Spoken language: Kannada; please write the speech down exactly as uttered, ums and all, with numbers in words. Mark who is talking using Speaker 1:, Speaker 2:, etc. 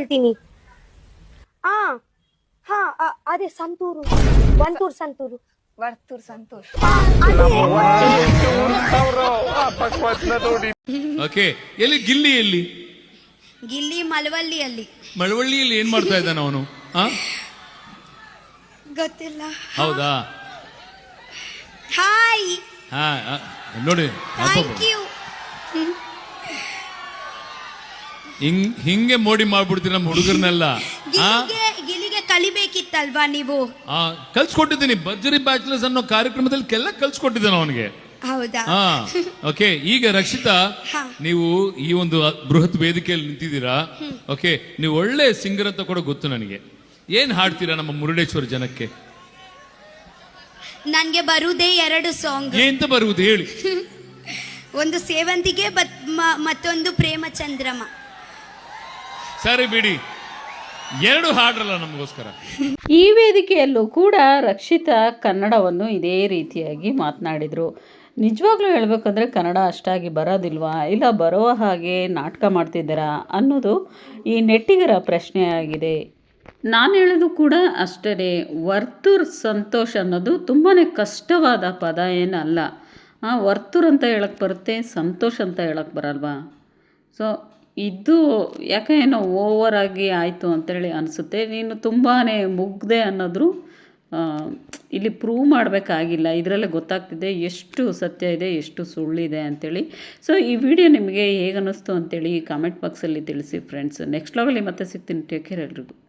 Speaker 1: ಹೇಳ್ತೀನಿ. ಆ ಹಾ ಅ- ಅದೇ ಸಂತೂರು, ಒಂತೂರು ಸಂತೂರು.
Speaker 2: ವರ್ತೂರ್ ಸಂತೋಷ್.
Speaker 3: ಓಕೆ, ಎಲ್ಲಿ ಗಿಲ್ಲಿ ಎಲ್ಲಿ?
Speaker 2: ಗಿಲ್ಲಿ ಮಳವಳ್ಳಿಯಲ್ಲಿ.
Speaker 3: ಮಳವಳ್ಳಿಯಲ್ಲಿ ಏನ್ ಮಾಡ್ತಾ ಇದ್ದಾನ ಅವನು?
Speaker 2: ಗೊತ್ತಿಲ್ಲ.
Speaker 3: ಹೌದಾ?
Speaker 2: ಹಾಯ್,
Speaker 3: ಹಾ ಆ, ನೋಡಿ
Speaker 2: ಥ್ಯಾಂಕ್ ಯು.
Speaker 3: ಹಿಂಗ್ ಹಿಂಗೆ ಮೋಡಿ ಮಾಡ್ಬಿಡ್ತೀರಿ ನಮ್ಮ ಹುಡುಗರನ್ನೆಲ್ಲ.
Speaker 2: ಗಿಲ್ಲಿಗೆ ಗಿಲ್ಲಿಗೆ ಕಲಿಬೇಕಿತ್ತಲ್ವಾ ನೀವು?
Speaker 3: ಆ ಕಲ್ಸ್ಕೊಟ್ಟಿದ್ದೀನಿ. ಭರ್ಜರಿ ಬ್ಯಾಚುಲರ್ಸ್ ಅನ್ನೋ ಕಾರ್ಯಕ್ರಮದಲ್ಲಿ ಕೆಲ ಕಲ್ಸ್ಕೊಟ್ಟಿದ್ದೇನೆ ಅವನಿಗೆ.
Speaker 2: ಹೌದಾ?
Speaker 3: ಹಾ ಓಕೆ. ಈಗ ರಕ್ಷಿತಾ,
Speaker 2: ಹಾ.
Speaker 3: ನೀವು ಈ ಒಂದು ಬೃಹತ್ ವೇದಿಕೆಯಲ್ಲಿ ನಿಂತಿದ್ದೀರಾ. ಓಕೆ, ನೀವು ಒಳ್ಳೆ ಸಿಂಗರ್ ಅಂತ ಕೂಡ ಗೊತ್ತು ನನಗೆ. ಏನ್ ಹಾಡ್ತೀರಾ ನಮ್ಮ ಮುರುಡೇಶ್ವರ ಜನಕ್ಕೆ?
Speaker 2: ನನ್ಗೆ ಬರುವುದೇ ಎರಡು ಸಾಂಗ್.
Speaker 3: ಎಂತ ಬರುವುದು ಹೇಳಿ?
Speaker 2: ಒಂದು ಸೇವಂತಿಗೆ ಬತ್- ಮ- ಮತ್ತೊಂದು ಪ್ರೇಮ ಚಂದ್ರಮ.
Speaker 3: ಸರಿ ಬಿಡಿ, ಎರಡು ಹಾಡ್ರಲ್ಲ ನಮಗೋಸ್ಕರ.
Speaker 4: ಈ ವೇದಿಕೆಯಲ್ಲೂ ಕೂಡ ರಕ್ಷಿತಾ ಕನ್ನಡವನ್ನು ಇದೇ ರೀತಿಯಾಗಿ ಮಾತನಾಡಿದರು. ನಿಜವಾಗ್ಲೂ ಹೇಳಬೇಕಂದ್ರೆ ಕನ್ನಡ ಅಷ್ಟಾಗಿ ಬರೋದಿಲ್ವಾ, ಇಲ್ಲ ಬರುವ ಹಾಗೆ ನಾಟಕ ಮಾಡ್ತಿದ್ದಾರಾ ಅನ್ನೋದು ಈ ನೆಟ್ಟಿಗರ ಪ್ರಶ್ನೆಯಾಗಿದೆ. ನಾನು ಹೇಳೋದು ಕೂಡ ಅಷ್ಟೇ. ವರ್ತೂರ್ ಸಂತೋಷ್ ಅನ್ನೋದು ತುಂಬಾ ಕಷ್ಟವಾದ ಪದ ಏನಲ್ಲ. ವರ್ತೂರ್ ಅಂತ ಹೇಳಕ್ಕೆ ಬರುತ್ತೆ, ಸಂತೋಷ್ ಅಂತ ಹೇಳಕ್ಕೆ ಬರಲ್ವಾ? ಸೊ ಇದು ಯಾಕೆ ಏನೋ ಓವರಾಗಿ ಆಯಿತು ಅಂತೇಳಿ ಅನಿಸುತ್ತೆ. ನೀನು ತುಂಬಾ ಮುಗ್ದೆ ಅನ್ನೋದ್ರು ಇಲ್ಲಿ ಪ್ರೂವ್ ಮಾಡಬೇಕಾಗಿಲ್ಲ. ಇದರಲ್ಲೇ ಗೊತ್ತಾಗ್ತಿದೆ ಎಷ್ಟು ಸತ್ಯ ಇದೆ, ಎಷ್ಟು ಸುಳ್ಳಿದೆ ಅಂಥೇಳಿ. ಸೊ ಈ ವಿಡಿಯೋ ನಿಮಗೆ ಹೇಗೆ ಅನ್ನಿಸ್ತು ಅಂತೇಳಿ ಕಾಮೆಂಟ್ ಬಾಕ್ಸಲ್ಲಿ ತಿಳಿಸಿ ಫ್ರೆಂಡ್ಸ್. ನೆಕ್ಸ್ಟ್ ಲಾಗಲ್ಲಿ ಮತ್ತೆ ಸಿಗ್ತೀನಿ. ಟೇಕ್ ಕೇರ್ ಎಲ್ರಿಗೂ.